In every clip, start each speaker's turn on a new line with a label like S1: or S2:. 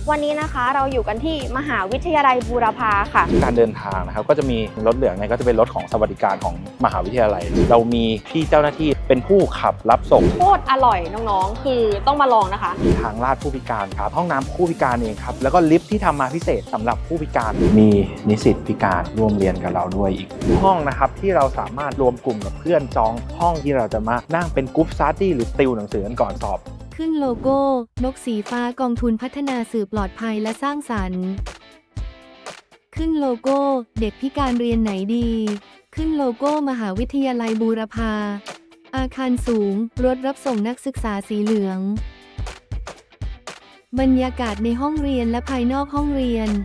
S1: วันนี้นะคะเราอยู่กันที่มหาวิทยาลัยบูรพาค่ะ
S2: การเดินทางนะครับก็จะมีรถเหลืองเนี่ยก็จะเป็นรถของสวัสดิการของมหาวิทยาลัยเรามีพี่เจ้าหน้าที่เป็นผู้ขับรับส่ง
S1: โคตรอร่อยน้องๆคือต้องมาลองนะคะ
S2: มีทางลาดผู้พิการครับห้องน้ำผู้พิการเองครับแล้วก็ลิฟท์ที่ทำมาพิเศษสำหรับผู้พิการมีนิสิตพิการร่วมเรียนกับเราด้วยอีกห้องนะครับที่เราสามารถรวมกลุ่มกับเพื่อนจองห้องที่เราจะมานั่งเป็นกรุ๊ปสตั๊ดดี้หรือติวหนังสือกันก่อนสอบ
S3: ขึ้นโลโก้นกสีฟ้ากองทุนพัฒนาสื่อปลอดภัยและสร้างสรรค์ขึ้นโลโก้เด็กพิการเรียนไหนดีขึ้นโลโก้มหาวิทยาลัยบูรพาอาคารสูงรถรับส่งนักศึกษาสีเหลืองบรรยากาศในห้องเรียนและภายนอกห้องเรียน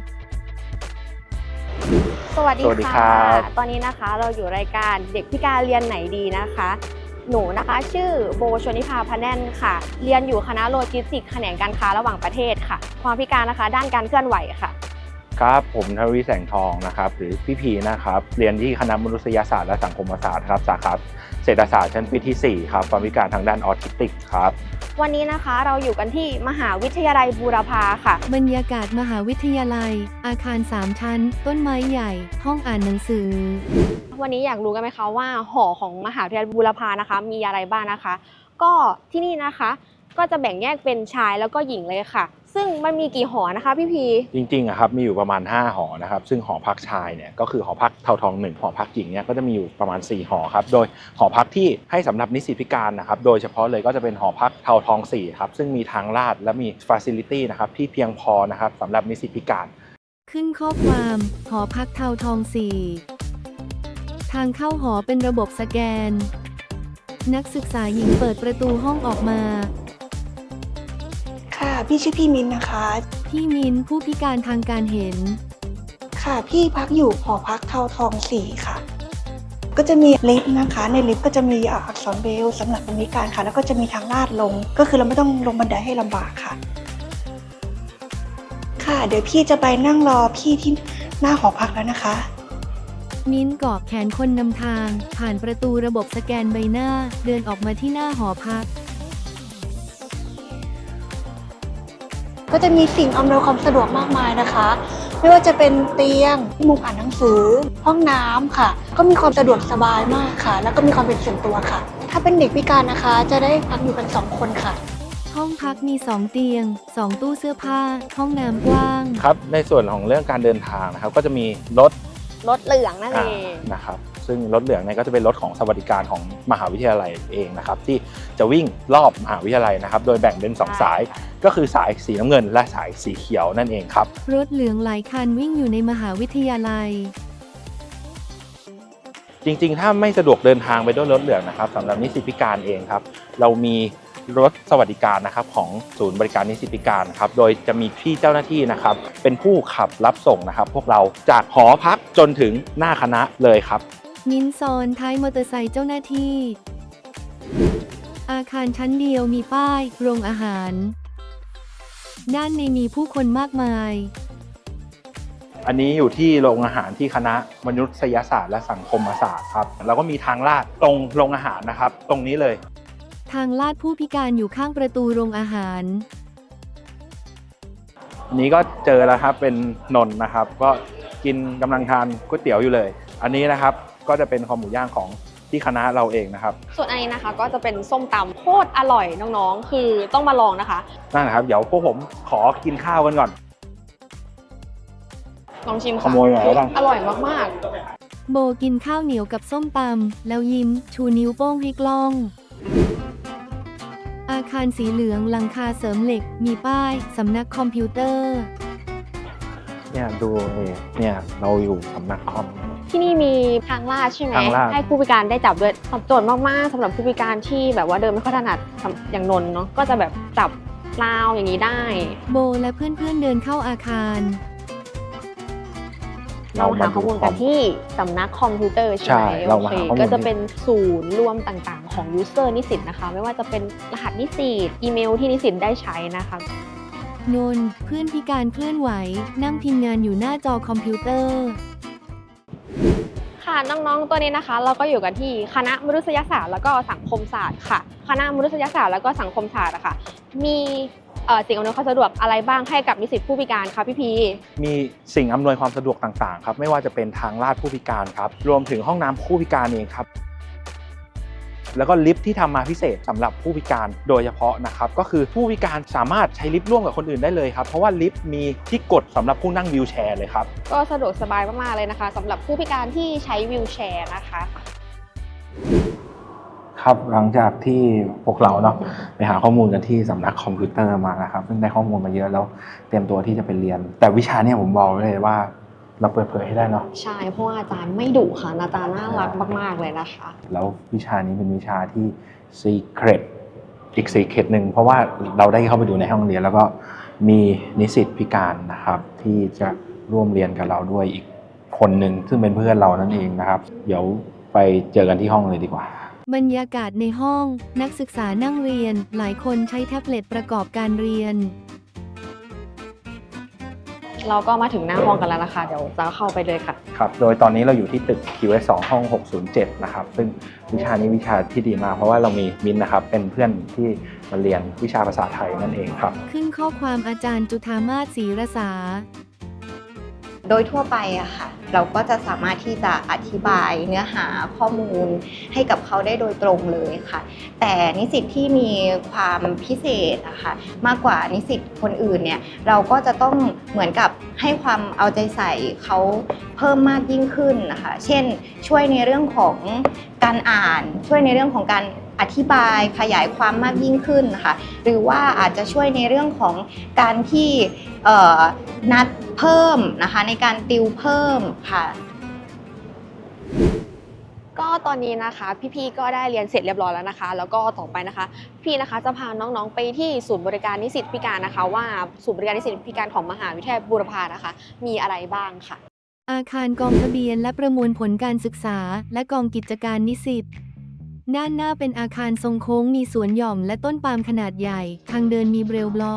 S1: สวัสดีค่ะตอนนี้นะคะเราอยู่รายการเด็กพิการเรียนไหนดีนะคะหนูนะคะชื่อโบชนิภาพแน่นค่ะเรียนอยู่คณะโลจิสติกส์แขนงการค้าระหว่างประเทศค่ะความพิการนะคะด้านการเคลื่อนไหวค่ะ
S2: ครับผมทวีแสงทองนะครับหรือพี่พีนะครับเรียนที่คณะมนุษยศาสตร์และสังคมศาสตร์ครับสาขาเศรษฐศาสตร์ชั้นปีที่4ครับความพิการทางด้านออทิสติกครับ
S1: วันนี้นะคะเราอยู่กันที่มหาวิทยาลัยบูรพาค่ะ
S3: บรรยากาศมหาวิทยาลัยอาคาร3ชั้นต้นไม้ใหญ่ห้องอ่านหนังสือ
S1: วันนี้อยากรู้กันไหมคะว่าหอของมหาวิทยาลัยบูรพานะคะมีอะไรบ้างนะคะก็ที่นี่นะคะก็จะแบ่งแยกเป็นชายแล้วก็หญิงเลยค่ะซึ่งมันมีกี่หอนะคะพี่พี
S2: จริงๆครับมีอยู่ประมาณ5หอนะครับซึ่งหอพักชายเนี่ยก็คือหอพักเทาทอง1หอพักหญิงเนี่ยก็จะมีอยู่ประมาณ4หอครับโดยหอพักที่ให้สำหรับนิสิตพิการนะครับโดยเฉพาะเลยก็จะเป็นหอพักเทาทอง4ครับซึ่งมีทางลาดและมีฟาซิลิตี้นะครับที่เพียงพอนะครับสำหรับนิสิตพิการ
S3: ขึ้นข้อความหอพักเทาทอง4ทางเข้าหอเป็นระบบสแกนนักศึกษาหญิงเปิดประตูห้องออกมา
S4: ค่ะพี่ชื่อพี่มินนะคะ
S3: พี่มินผู้พิการทางการเห็น
S4: ค่ะพี่พักอยู่หอพักเทาทอง4ค่ะก็จะมีลิฟต์นะคะในลิฟต์ก็จะมีอักษรเบรลล์สำหรับคนพิการค่ะแล้วก็จะมีทางลาดลงก็คือเราไม่ต้องลงบันไดให้ลำบากค่ะค่ะเดี๋ยวพี่จะไปนั่งรอพี่ที่หน้าหอพักแล้วนะคะ
S3: มิ้นเกาะแขนคนนำทางผ่านประตูระบบสแกนใบหน้าเดินออกมาที่หน้าหอพัก
S4: ก็จะมีสิ่งอำนวยความสะดวกมากมายนะคะไม่ว่าจะเป็นเตียงมุมอ่านหนังสือห้องน้ำค่ะก็มีความสะดวกสบายมากค่ะแล้วก็มีความเป็นส่วนตัวค่ะถ้าเป็นเด็กพิการนะคะจะได้พักอยู่กัน2คนค่ะ
S3: ห้องพักมี2เตียง2ตู้เสื้อผ้าห้องน้ำกว้าง
S2: ครับในส่วนของเรื่องการเดินทางนะครับก็จะมีรถ
S1: เหลืองนั่นเอง
S2: นะครับซึ่งรถเหลืองเนี่ยก็จะเป็นรถของสวัสดิการของมหาวิทยาลัยเองนะครับที่จะวิ่งรอบมหาวิทยาลัยนะครับโดยแบ่งเป็น2สายก็คือสายสีน้ำเงินและสายสีเขียวนั่นเองครับ
S3: รถเหลืองหลายคันวิ่งอยู่ในมหาวิทยาลัย
S2: จริงๆถ้าไม่สะดวกเดินทางไปด้วยรถเหลืองนะครับสำหรับนิสิตพิการเองครับเรามีรถสวัสดิการนะครับของศูนย์บริการนิสิตพิการครับโดยจะมีพี่เจ้าหน้าที่นะครับเป็นผู้ขับรับส่งนะครับพวกเราจากหอพักจนถึงหน้าคณะเลยครับ
S3: มิ้นซอนท้ายมอเตอร์ไซค์เจ้าหน้าที่อาคารชั้นเดียวมีป้ายโรงอาหารด้านในมีผู้คนมากมาย
S2: อันนี้อยู่ที่โรงอาหารที่คณะมนุษยศาสตร์และสังคมศาสตร์ครับแล้วก็มีทางลาดตรงโรงอาหารนะครับตรงนี้เลย
S3: ทางลาดผู้พิการอยู่ข้างประตูโรงอาหาร
S2: นี้ก็เจอแล้วครับเป็นนนท์นะครับก็กินกำลังทานก๋วยเตี๋ยวอยู่เลยอันนี้นะครับก็จะเป็นคอหมูย่างของที่คณะเราเองนะครับ
S1: ส่วนอันนี้นะคะก็จะเป็นส้มตำโคตรอร่อยน้องๆคือต้องมาลองนะคะ
S2: นั่นนะครับเดี๋ยวพวกผมขอกินข้าวกันก่อน
S1: ลองชิมค่ะ
S2: ขโมยหน่อยแล้วกัน
S1: อร่อยมาก
S3: ๆโบกินข้าวเหนียวกับส้มตำแล้วยิ้มชูนิ้วโป้งให้กล้องอาคารสีเหลืองหลังคาเสริมเหล็กมีป้ายสำนักคอมพิวเตอร์
S2: เนี่ยดูเนี่ยเราอยู่สำนักคอม
S1: ที่นี่มีทางลาดใช่ไหมให้ผู้พิการได้จับด้วยตอบโจทย์มากๆสำหรับผู้พิการที่แบบว่าเดินไม่ค่อยถนัดอย่างนนท์เนาะก็จะแบบจับราวอย่างนี้ได้
S3: โบและเพื่อนๆเดินเข้าอาคาร
S1: เราหาข้อมูลกันที่สำนักคอมพิวเตอร์ใช่ไหมโอเคก็จะเป็นศูนย์รวมต่างๆของยูเซอร์นิสิตนะคะไม่ว่าจะเป็นรหัสนิสิตอีเมลที่นิสิตได้ใช้นะคะ
S3: นนท์เพื่อนพิการเคลื่อนไหวนั่งพิมพ์งานอยู่หน้าจอคอมพิวเตอร์
S1: ค่ะน้องๆตัวนี้นะคะเราก็อยู่กันที่คณะมนุษยศาสตร์แล้วก็สังคมศาสตร์ค่ะคณะมนุษยศาสตร์แล้วก็สังคมศาสตร์อะค่ะมีสิ่งอำนวยความสะดวกอะไรบ้างให้กับนิสิตผู้พิการคะพี่พี
S2: มีสิ่งอำนวยความสะดวกต่างๆครับไม่ว่าจะเป็นทางลาดผู้พิการครับรวมถึงห้องน้ำผู้พิการเองครับแล้วก็ลิฟท์ที่ทำมาพิเศษสำหรับผู้พิการโดยเฉพาะนะครับก็คือผู้พิการสามารถใช้ลิฟต์ร่วมกับคนอื่นได้เลยครับเพราะว่าลิฟต์มีที่กดสำหรับผู้นั่งวีลแชร์เลยครับ
S1: ก็สะดวกสบายมากๆเลยนะคะสำหรับผู้พิการที่ใช้วีลแชร์นะคะ
S2: ครับหลังจากที่พวกเราเนาะไปหาข้อมูลกันที่สำนักคอมพิวเตอร์มานะครับซึ่งได้ข้อมูลมาเยอะแล้วเตรียมตัวที่จะไปเรียนแต่วิชาเนี่ยผมบอกเลยว่าเราเปิดเผยให้ได้เนาะ
S1: ใช่เพราะว่าอาจารย์ไม่ดุค่ะอาจารย์น่ารักมากๆเลยนะคะ
S2: แล้ววิชานี้เป็นวิชาที่ secret อีก secret หนึ่งเพราะว่าเราได้เข้าไปดูในห้องเรียนแล้วก็มีนิสิตพิการนะครับที่จะร่วมเรียนกับเราด้วยอีกคนหนึ่งซึ่งเป็นเพื่อนเรานั่นเองนะครับเดี๋ยวไปเจอกันที่ห้องเลยดีกว่า
S3: บรรยากาศในห้องนักศึกษานั่งเรียนหลายคนใช้แท็บเล็ตประกอบการเรียน
S1: เราก็มาถึงหน้าห้องกันแล้วนะคะเดี๋ยวจะเข้าไปเลยค่ะ
S2: ครับโดยตอนนี้เราอยู่ที่ตึก QS2 ห้อง 607 นะครับซึ่งวิชานี้วิชาที่ดีมากเพราะว่าเรามีมิ้นนะครับเป็นเพื่อนที่มาเรียนวิชาภาษาไทยนั่นเองครับ
S3: ขึ้นข้อความอาจารย์จุฑามาศศรีรษา
S5: โดยทั่วไปอะค่ะเราก็จะสามารถที่จะอธิบายเนื้อหาข้อมูลให้กับเขาได้โดยตรงเลยค่ะแต่นิสิตที่มีความพิเศษอะค่ะมากกว่านิสิตคนอื่นเนี่ยเราก็จะต้องเหมือนกับให้ความเอาใจใส่เขาเพิ่มมากยิ่งขึ้นนะคะเช่นช่วยในเรื่องของการอ่านช่วยในเรื่องของการอธิบายขยายความมากยิ่งขึ้นนะคะหรือว่าอาจจะช่วยในเรื่องของการที่นัดเพิ่มนะคะในการติวเพิ่มค่ะ
S1: ก็ตอนนี้นะคะพี่ๆก็ได้เรียนเสร็จเรียบร้อยแล้วนะคะแล้วก็ต่อไปนะคะพี่นะคะจะพาน้องๆไปที่ศูนย์บริการนิสิตพิการนะคะว่าศูนย์บริการนิสิตพิการของมหาวิทยาลัยบูรพานะคะมีอะไรบ้างค่ะ
S3: อาคารกองทะเบียนและประมวลผลการศึกษาและกองกิจการนิสิตด้านหน้าเป็นอาคารทรงโค้งมีสวนหย่อมและต้นปาล์มขนาดใหญ่ทางเดินมีเบรลบล็อก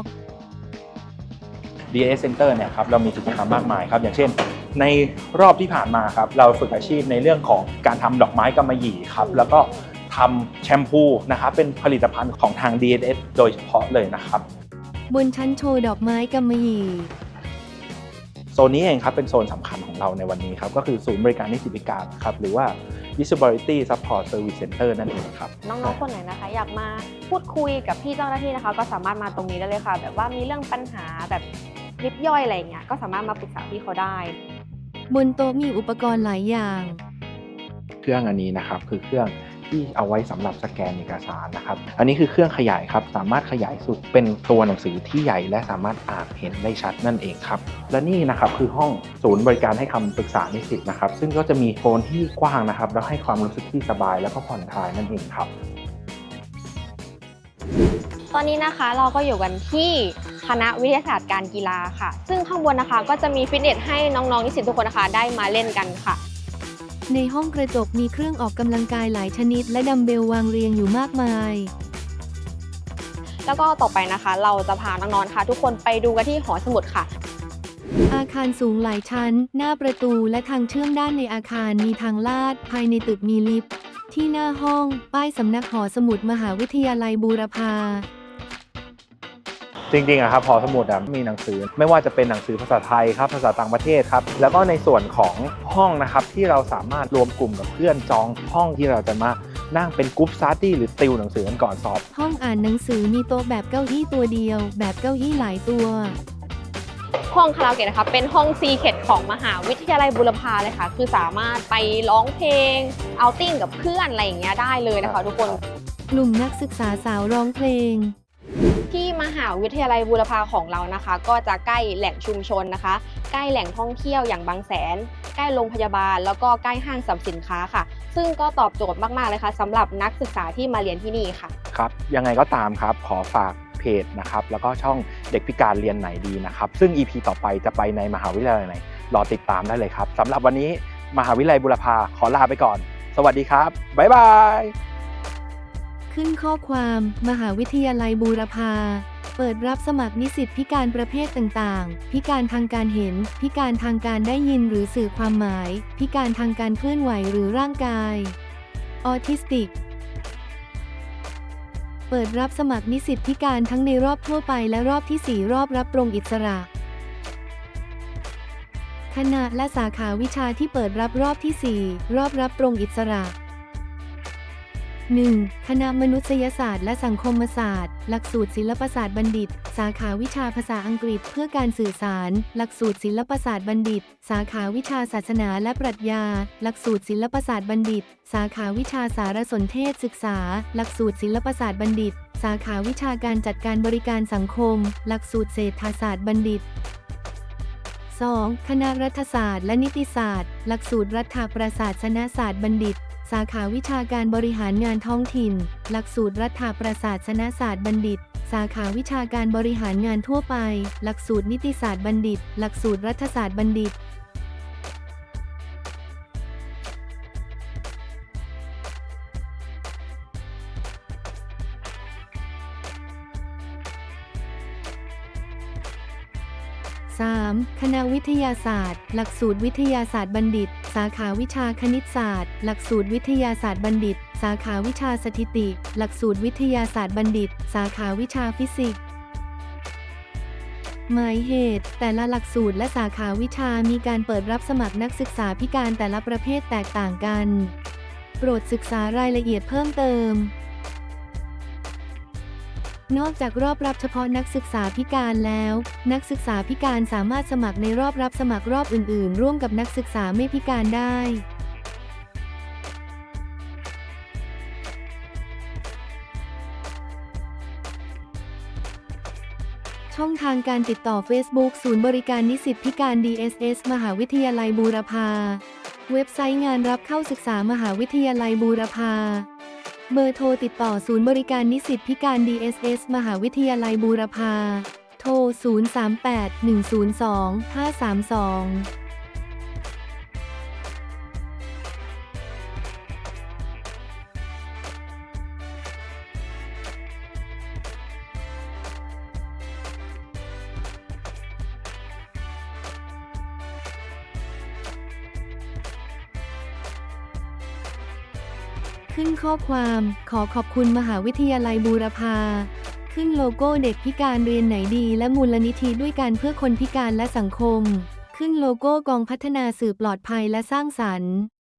S2: DAS Center เนี่ยครับเรามีกิจกรรมมากมายครับอย่างเช่นในรอบที่ผ่านมาครับเราฝึกอาชีพในเรื่องของการทำดอกไม้กำมะหยี่ครับแล้วก็ทำแชมพูนะครับเป็นผลิตภัณฑ์ของทาง DAS โดยเฉพาะเลยนะครับ
S3: บนชั้นโชว์ดอกไม้กำมะหยี่
S2: โซนนี้เองครับเป็นโซนสำคัญของเราในวันนี้ครับก็คือศูนย์บริการนิสิตพิการครับหรือว่า Disability Support Service Center นั่นเองครับ
S1: น้องๆคนไหนนะคะอยากมาพูดคุยกับพี่เจ้าหน้าที่นะคะก็สามารถมาตรงนี้ได้เลยค่ะแบบว่ามีเรื่องปัญหาแบบยิบย่อยอะไรเงี้ยก็สามารถมาปรึกษาพี่เขาได้
S3: บนโต๊ะมีอุปกรณ์หลายอย่าง
S2: เครื่องอันนี้นะครับคือเครื่องที่เอาไว้สำหรับสแกนเอกสารนะครับอันนี้คือเครื่องขยายครับสามารถขยายสุดเป็นตัวหนังสือที่ใหญ่และสามารถอ่านเห็นได้ชัดนั่นเองครับและนี่นะครับคือห้องศูนย์บริการให้คำปรึกษานิสิตนะครับซึ่งก็จะมีโซนที่กว้างนะครับแล้วให้ความรู้สึกที่สบายแล้วก็ผ่อนคลายนั่นเองครับ
S1: ตอนนี้นะคะเราก็อยู่กันที่คณะวิทยาศาสตร์การกีฬาค่ะซึ่งข้างบนนะคะก็จะมีฟิตเนสให้น้องๆนิสิตทุกคนนะคะได้มาเล่นกันค่ะ
S3: ในห้องกระจกมีเครื่องออกกำลังกายหลายชนิดและดัมเบลวางเรียงอยู่มากมาย
S1: แล้วก็ต่อไปนะคะเราจะพาน้องๆค่ะทุกคนไปดูกันที่หอสมุดค่ะ
S3: อาคารสูงหลายชั้นหน้าประตูและทางเชื่อมด้านในอาคารมีทางลาดภายในตึกมีลิฟต์ที่หน้าห้องป้ายสำนักหอสมุดมหาวิทยาลัยบูรพา
S2: จริงๆอะครับหอสมุดมีหนังสือไม่ว่าจะเป็นหนังสือภาษาไทยครับภาษาต่างประเทศครับแล้วก็ในส่วนของห้องนะครับที่เราสามารถรวมกลุ่มกับเพื่อนจองห้องที่เราจะมานั่งเป็นกรุ๊ปสตั๊ดดี้หรือติวหนังสือกันก่อนสอบ
S3: ห้องอ่านหนังสือมีโต๊ะแบบเก้าอี้ตัวเดียวแบบเก้าอี้หลายตัว
S1: ห้องคาราโอเกะนะคะเป็นห้องซีเคทของมหาวิทยาลัยบูรพาเลยค่ะคือสามารถไปร้องเพลงเอาติ้งกับเพื่อนอะไรอย่างเงี้ยได้เลยนะคะทุกคน
S3: กลุ่มนักศึกษาสาวร้องเพลง
S1: ที่มหาวิทยาลัยบูรพาของเรานะคะก็จะใกล้แหล่งชุมชนนะคะใกล้แหล่งท่องเที่ยวอย่างบางแสนใกล้โรงพยาบาลแล้วก็ใกล้ห้างสรรพสินค้าค่ะซึ่งก็ตอบโจทย์มากๆเลยค่ะสำหรับนักศึกษาที่มาเรียนที่นี่ค่ะ
S2: ครับยังไงก็ตามครับขอฝากเพจนะครับแล้วก็ช่องเด็กพิการเรียนไหนดีนะครับซึ่ง EP ต่อไปจะไปในมหาวิทยาลัยไหนรอติดตามได้เลยครับสำหรับวันนี้มหาวิทยาลัยบูรพาขอลาไปก่อนสวัสดีครับบ๊ายบาย
S3: ขึ้นข้อความมหาวิทยาลัยบูรพาเปิดรับสมัครนิสิตพิการประเภทต่างๆพิการทางการเห็นพิการทางการได้ยินหรือสื่อความหมายพิการทางการเคลื่อนไหวหรือร่างกายออทิสติกเปิดรับสมัครนิสิตพิการทั้งในรอบทั่วไปและรอบที่ 4 รอบรับตรงอิสระคณะและสาขาวิชาที่เปิดรับรอบที่ 4 รอบรับตรงอิสระ 1. คณะมนุษยศาสตร์และสังคมศาสตร์หลักสูตรศิลปศาสตร์บัณฑิตสาขาวิชาภาษาอังกฤษเพื่อการสื่อสารหลักสูตรศิลปศาสตร์บัณฑิตสาขาวิชาศาสนาและปรัชญาหลักสูตรศิลปศาสตร์บัณฑิตสาขาวิชาสารสนเทศศึกษาหลักสูตรศิลปศาสตร์บัณฑิตสาขาวิชาการจัดการบริการสังคมหลักสูตรเศรษฐศาสตร์บัณฑิต 2. คณะรัฐศาสตร์และนิติศาสตร์หลักสูตรรัฐประศาสนศาสตร์บัณฑิตสาขาวิชาการบริหารงานท้องถิ่นหลักสูตรรัฐประศาสนศาสตร์บัณฑิตสาขาวิชาการบริหารงานทั่วไปหลักสูตรนิติศาสตร์บัณฑิตหลักสูตรรัฐศาสตร์บัณฑิต3. คณะวิทยาศาสตร์หลักสูตรวิทยาศาสตร์บัณฑิตสาขาวิชาคณิตศาสตร์หลักสูตรวิทยาศาสตร์บัณฑิตสาขาวิชาสถิติหลักสูตรวิทยาศาสตร์บัณฑิตสาขาวิชาฟิสิกส์หมายเหตุแต่ละหลักสูตรและสาขาวิชามีการเปิดรับสมัครนักศึกษาพิการแต่ละประเภทแตกต่างกันโปรดศึกษารายละเอียดเพิ่มเติมนอกจากรอบรับเฉพาะนักศึกษาพิการแล้วนักศึกษาพิการสามารถสมัครในรอบรับสมัครรอบอื่นๆร่วมกับนักศึกษาไม่พิการได้ช่องทางการติดต่อ Facebook ศูนย์บริการนิสิตพิการ DSS มหาวิทยาลัยบูรพาเว็บไซต์งานรับเข้าศึกษามหาวิทยาลัยบูรพาเบอร์โทรติดต่อศูนย์บริการนิสิตพิการ DSS มหาวิทยาลัยบูรพาโทร 038-102-532ขึ้นข้อความขอขอบคุณมหาวิทยาลัยบูรพาขึ้นโลโก้เด็กพิการเรียนไหนดีและมูลนิธิด้วยกันเพื่อคนพิการและสังคมขึ้นโลโก้กองพัฒนาสื่อปลอดภัยและสร้างสรรค์